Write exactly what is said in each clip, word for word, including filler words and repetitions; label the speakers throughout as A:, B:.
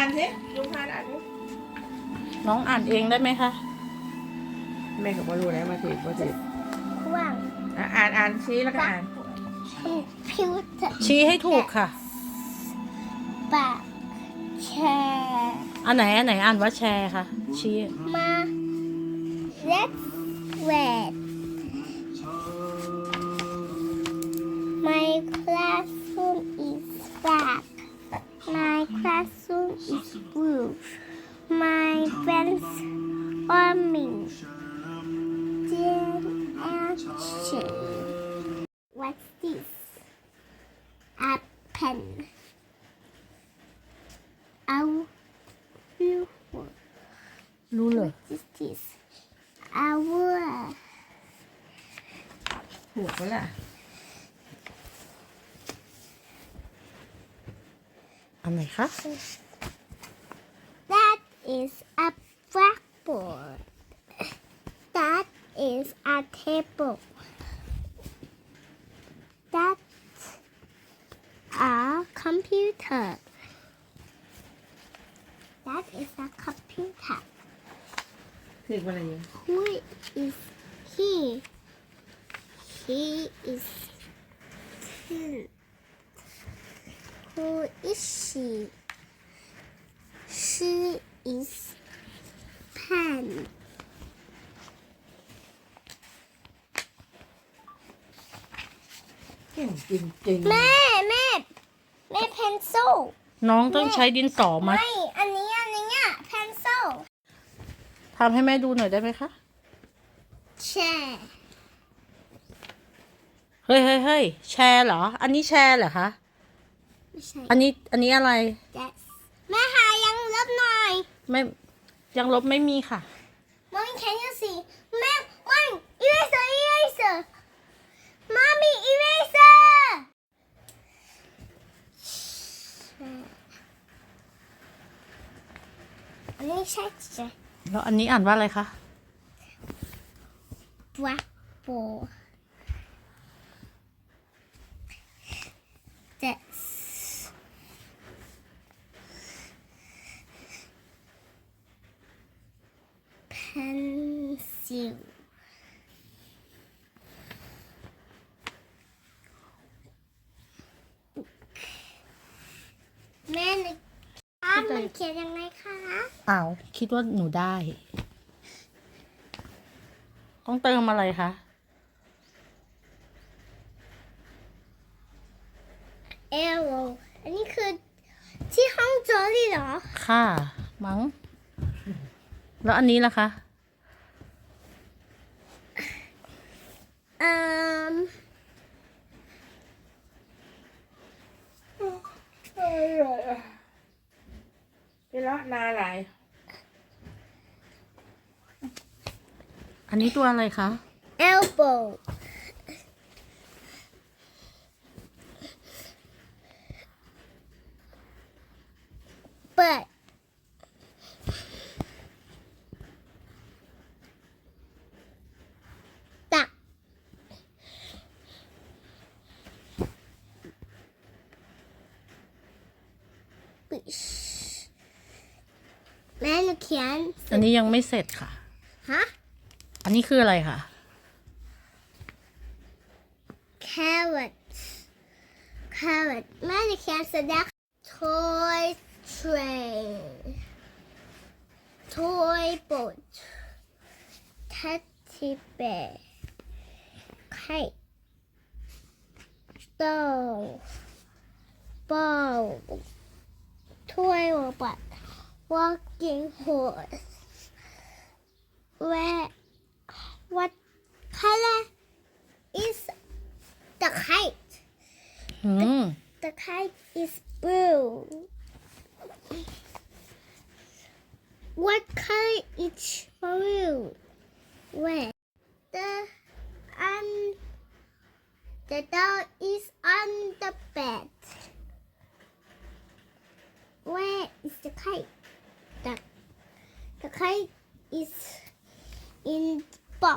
A: านสิลุงพานอ่านสิ
B: น้องอ่านเองได้ไหมคะ
A: แม่ก็บ่รู้แล้วมาถือมาถือ
C: ว่าง
A: อ่ะอ่านอ่านชี้แล้วก็อ่าน
C: พิวเตอร์
B: ชี้ให้ถูกค่ะ
C: ปากแชร์
B: อันไหนอันไหนอ่านว่าแชร์ค่ะ ชี้
C: มาเล็กเวด My classroom is black. My classroom is blue. My friends are me. Jen and Shane. What's this? A pen. Our beautiful.
B: รู้เลย
C: What is this? Our
A: ถูกปะล่ะ
B: อันไหนคะ
C: that is a blackboard. That is a table. That's a computer. That is a computer.
A: ถูกปะล่ะยู
C: Who is he? He is two. Who is she? She is pen.
A: เก่งจริงๆ
C: แม่แม่แม่ pencil
B: น้องต้องใช้ดินสอมา
C: ไม่ อันนี้อันนี้อ่ะ pencil
B: ทำให้แม่ดูหน่อยได้ไหมคะ
C: chair
B: เฮ้ยเฮ้ยเฮ้ยแชร์เหรอ อันนี้แชร์เหรอคะ
C: ไม่ใช่
B: อันนี้อันนี้อะไร
C: that's แม่หายังลบหน่อย
B: ไม่ยังลบไม่มีค่ะ
C: Mommy can you see แม่ Mommy eraser eraser Mommy eraser อันนี้ใช่ใช่
B: แล้วอันนี้อ่านว่าอะไรคะ
C: blackboard that's pencil แม่นึกอ่านมันเขียนยังไงคะ
B: อ้าวคิดว่าหนูได้ ต้องเติมอะไรคะ
C: arrow อันนี้คือที่ห้องโจลี่เหรอ
B: ค่ะ มั้ง แล้วอันนี้ล่ะคะ
C: อืม
A: พี่ละนาอะไร
B: อันนี้ตัวอะไรคะ
C: elbow เปิดตักปิชแม่หนูเขียน
B: อันนี้ยังไม่เสร็จค่ะ
C: ฮะ
B: อันนี้คืออะไรคะ
C: carrot carrot แม่หนูเขียนเสร็จแล้ว toy train toy boat teddy bear kite doll ball toy robot walking horse where what color is the kite
B: อืม
C: the kite is blue what color is blue where the um the doll is on the bed where is the kite the the kite is in box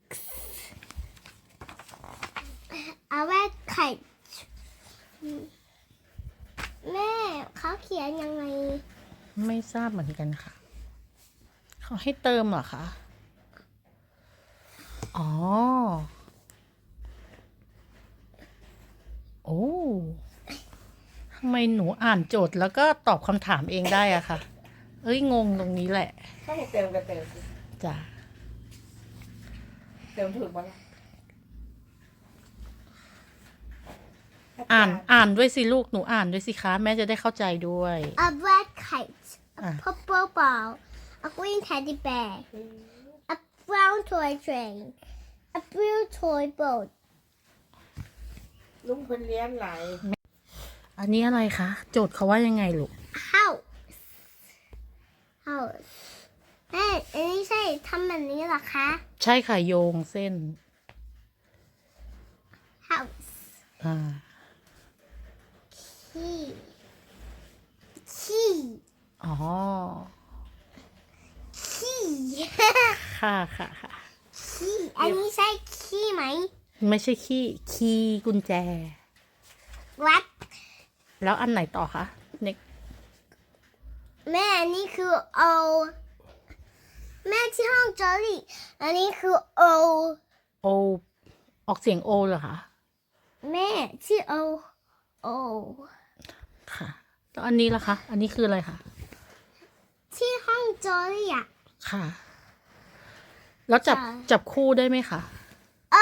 C: a red kite แม่เขาเขียนยังไง
B: ไม่ทราบเหมือนกันค่ะ เขาให้เติมเหรอคะ อ๋อ โอ้ทำไมหนูอ่านโจทย์แล้วก็ตอบคำถามเองได้อะค่ะ เอ้ย งงตรงนี้แหละ
A: ถ้าให้เติมก็เติมสิ
B: จ้ะ
A: เติมถูกปะล่ะ
B: อ่าน อ่านด้วยสิลูก หนูอ่านด้วยสิคะ แม่จะได้เข้าใจด้วย
C: A red kite, a
B: Ah.
C: purple ball, a green teddy bear, a brown toy train, a blue toy boat.
A: ลุงเพิ่นเลี้ยงหลาย
B: อันนี้อะไรคะ โจทย์เขาว่ายังไงลูก
C: House. House. แม่อันนี้ใช่ทำแบบนี้เหรอคะ
B: ใช่ค่ะโยงเส้น
C: House.
B: อ่า
C: Key. Key.
B: อ๋อ
C: Key.
B: ค่ะค่ะค่ะ
C: Key. อันนี้ใช่ key ไหม
B: ไม่ใช่ขี้คีย์กุญแจ
C: What?
B: แล้วอันไหนต่อคะเน็ก
C: แม่อันนี้คือ O แม่ที่ห้องจอรี่อันนี้คือ O
B: โอ ออกเสียงโอเหรอคะ
C: แม่ที่ O O
B: ค่ะ แล้วอันนี้ล่ะคะ อันนี้คืออะไรคะ
C: ที่ห้องจอรี่อ่ะ
B: ค่ะ แล้วจับ
C: ค่ะ
B: จับคู่ได้ไหมคะ
C: O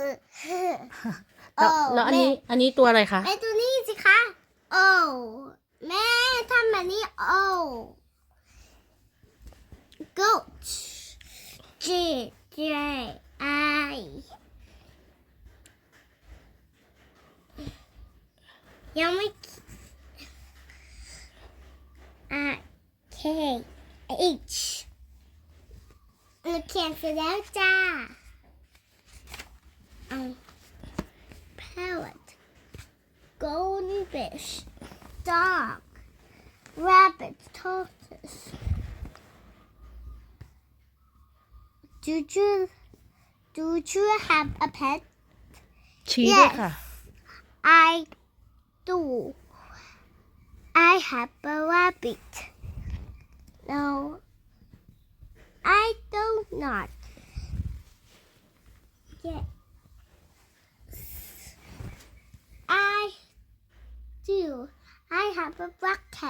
B: แล้ว
C: โอ้
B: แล้วอันนี้
C: แม่
B: อันนี้ตัวอะไรคะ
C: แม่ตัวนี้สิคะ O แม่ทำแบบนี้ O Goat G J I ยังไม่ R K H หนูเขียนเสร็จแล้วจ้าเอา Parrot Golden fish Dog Rabbit Tortoise Do you Do you have a pet?
B: ชี้ด้วย
C: Yes.
B: ค่ะ
C: I do. I have a rabbit. No, I do not. Yes. I do. I have a black cat.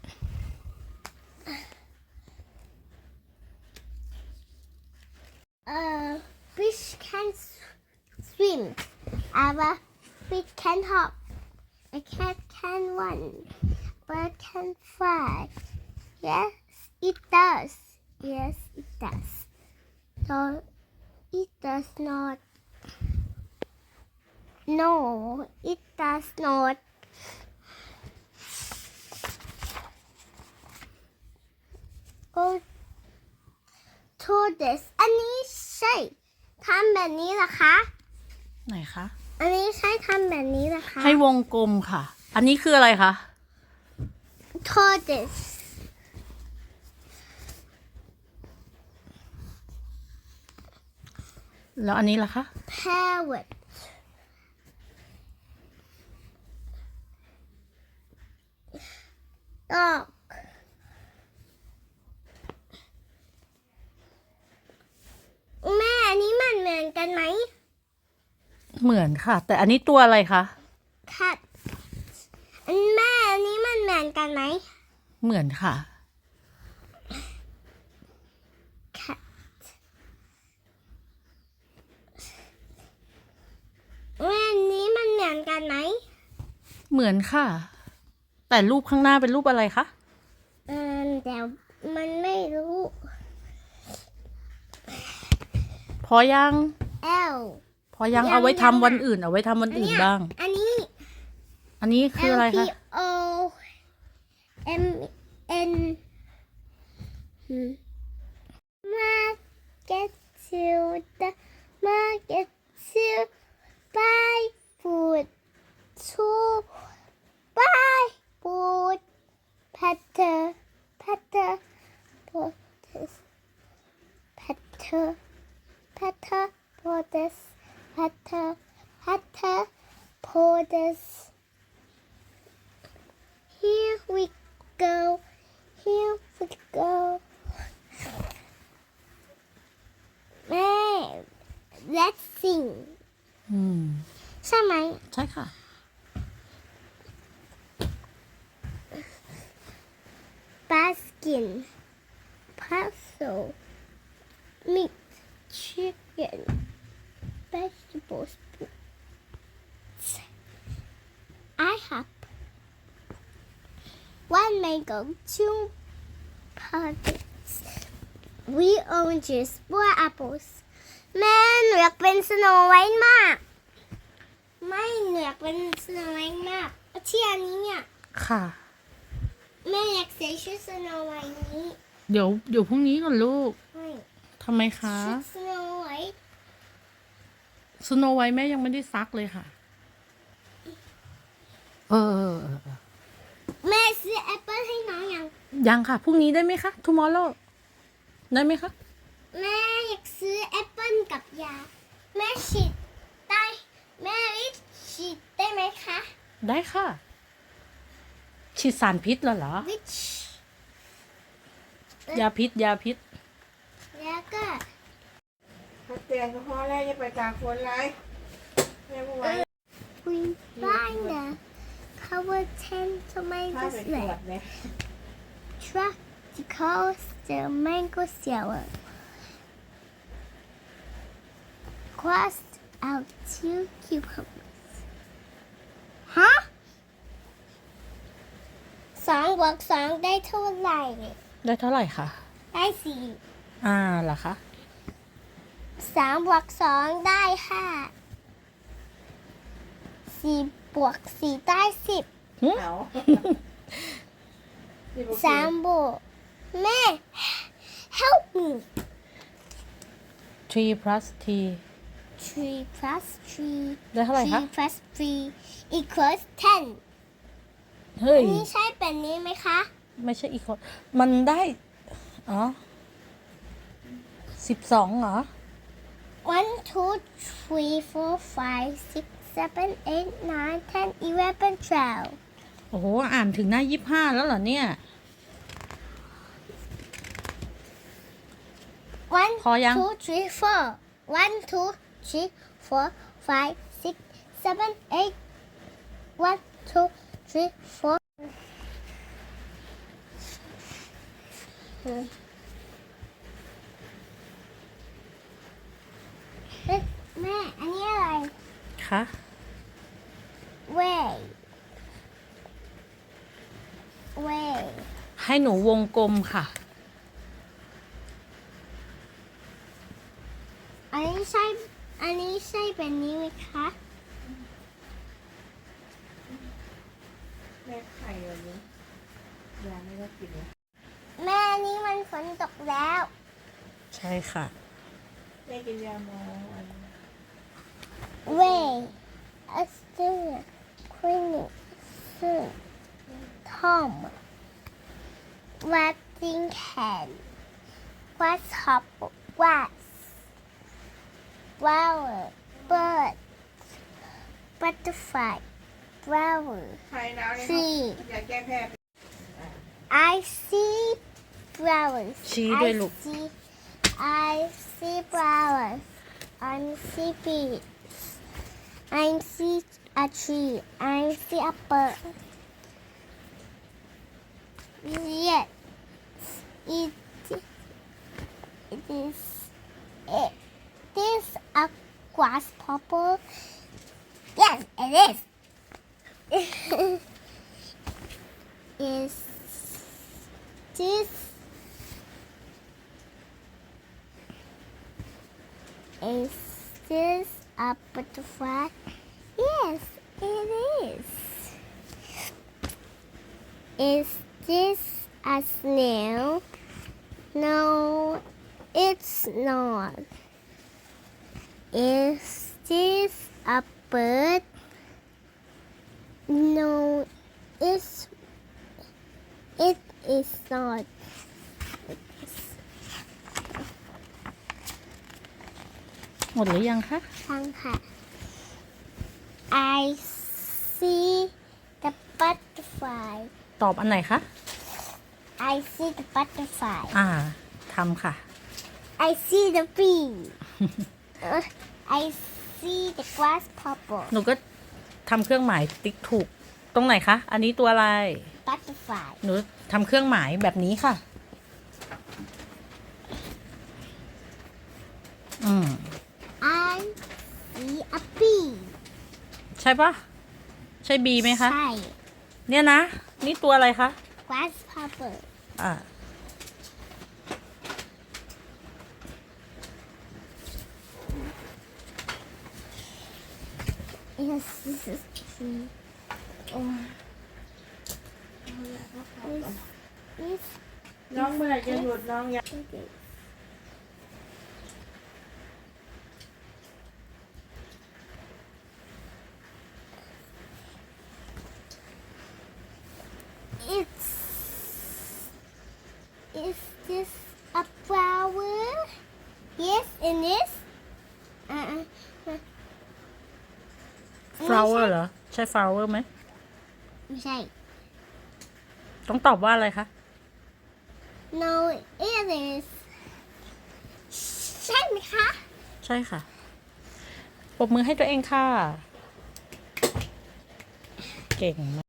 C: A fish can s- swim. A fish can hop. A cat can run. Bird can fly. Yes, it does. Yes, it does. No, it does not. No, it does not. Go to this. อันนี้ใช่ทำแบบนี้เหรอคะ
B: ไหนคะ
C: อันนี้ใช่ทำแบบนี้เหรอคะ
B: ให้วงกลมค่ะ อันนี้คืออะไรคะ
C: tortoise
B: แล้วอันนี้ล่ะคะ
C: parrot dog แม่อันนี้มันเหมือนกันไหม
B: เหมือนค่ะ แต่อันนี้ตัวอะไรคะ
C: cat อันแม่อันนี้มันเหมือนกันไหม
B: เหมือนค่ะ
C: cat แม่อันนี้มันเหมือนกันไหม
B: เหมือนค่ะ แต่รูปข้างหน้าเป็นรูปอะไรคะ
C: เออแต่มันไม่รู้
B: พอยัง
C: L
B: พอยัง
C: ยัง
B: เอาไว้
C: ยัง
B: ทำวัน
C: อะ
B: อื่น เอาไว้ทำวัน
C: อัน
B: อื่น
C: เนี้ย
B: บ้าง
C: อันนี้
B: อันนี้คืออะไร
C: L P
B: คะ
C: O M N Market to the market to buy food to buy food Petter Petter Potato Petter Petter Potato Petter Petter Potato Here we go. Here chicken, puzzle, meat, chicken, vegetables. I have one mango, two potatoes, three oranges, four apples. แม่หนูอยากเป็นสโนไวท์มาก ไม่หนูอยากเป็นสโนไวท์มากที่อันนี้เนี่ย
B: ค่ะ
C: แม่อยากใส่ชุดสโนไวท์นี้
B: เดี๋ยวเดี๋ยวพรุ่งนี้ก่อนลูก
C: ไม่
B: ทำไมคะ
C: ชุดสโนไวท์
B: สโนไวท์แม่ยังไม่ได้ซักเลยค่ะ เออเออเออเออ
C: แม่ซื้อแอปเปิ้ลให้น้องยัง
B: ยังค่ะ พรุ่งนี้ได้ไหมคะ tomorrow ได้ไหมคะ
C: แม่อยากซื้อแอปเปิ้ลกับยา แม่ฉีดได้แม่วิฉีดได้ไหมคะ
B: ได้ค่ะ ฉีดสารพิษแล้วเหรอ
C: วิช
B: ยาพิษ ยาพิษ
C: แล้วก็
A: ถ้าเตียงก็พอแล้วอย่าไปตากฝนไรแม่บอกว่า
C: we find the cover ten
A: ถ้า
C: tomatoes
A: ไปตรวจ
C: left.
A: เนี่ย
C: Try to cause the mango sour. Cross out two cucumbers. ฮะสองบวกสองได้เท่าไหร่
B: ได้เท่าไหร่คะ
C: ได้สี่
B: อ่าเหรอคะ
C: สามบวกสองได้ห้าสี่บวกสี่ได้สิบ
A: เอา
C: สามบวกแม่ help me
B: three plus t
C: three plus three
B: ได้เท่าไหร่คะ
C: three plus three equals ten
B: เฮ้ย
C: อันนี้ใช่แบบนี้ไหมคะ
B: ไม่ใช่อีกคน มันได้ อ๋อ สิบสองเหรอ
C: one two three four five six seven eight nine ten eleven twelve
B: โอ้โห อ่านถึงหน้ายี่ห้าแล้วเหรอเนี่ย
C: one
B: พอยัง
C: two three four one two three four five six seven eight one two three four เอ๊ะแม่ อันนี้อะไร
B: คะ
C: way way
B: ให้หนูวงกลมค่ะ
C: อันนี้ใช่ อันนี้ใช่แบบนี้ไหมคะ
A: แม่ไข่แบบนี้ยาไม่ได้กินเลย
C: แม่อันนี้มันฝนตกแล้ว
B: ใช่ค่ะ
A: แม่กินยาหมออัน
C: way Australia Queenie Soon Tom Wattingham Grasshopper Grass Flower Bird Butterfly Flower
A: ไข่หนาวเนี่ย
C: Tree
A: อยากแก้แพ้
C: I see flowers
B: ชี้ด้วย
C: I
B: ลูก
C: see I see flowers I see bees I see a tree I see a bird yes it it is it is a grasshopper yes it is is this is this a butterfly? Yes, it is. Is this a snail? No, it's not. Is this a bird? No, it's it is not.
B: หมดหรือยังคะ
C: ฟังค่ะ I see the butterfly
B: ตอบอันไหนคะ
C: I see the butterfly
B: อ่าทำค่ะ
C: I see the bee Uh, I see the grasshopper
B: หนูก็ทำเครื่องหมายติ๊กถูก ตรงไหนคะ อันนี้ตัวอะไร
C: butterfly
B: หนูทำเครื่องหมายแบบนี้ค่ะอืม
C: I see a bee
B: ใช่ปะใช่บีไหมคะ
C: ใช่
B: เนี่ยนะ นี่ตัวอะไรคะ
C: grasshopper
B: อ่า
C: yes this is tree
A: โอ้ย
C: this
A: น้องเมื่อไหร่จะหยุดน้องอยาก
C: is It's is this a flower? Yes, it is. Uh, uh,
B: flower เหรอ ใช่ flower ไหม
C: ไม่ใช่
B: ต้องตอบว่าอะไรคะ
C: No, it is. ใช่ไหมคะ
B: ใช่ค่ะ ปรบมือให้ตัวเองค่ะ เก่งมาก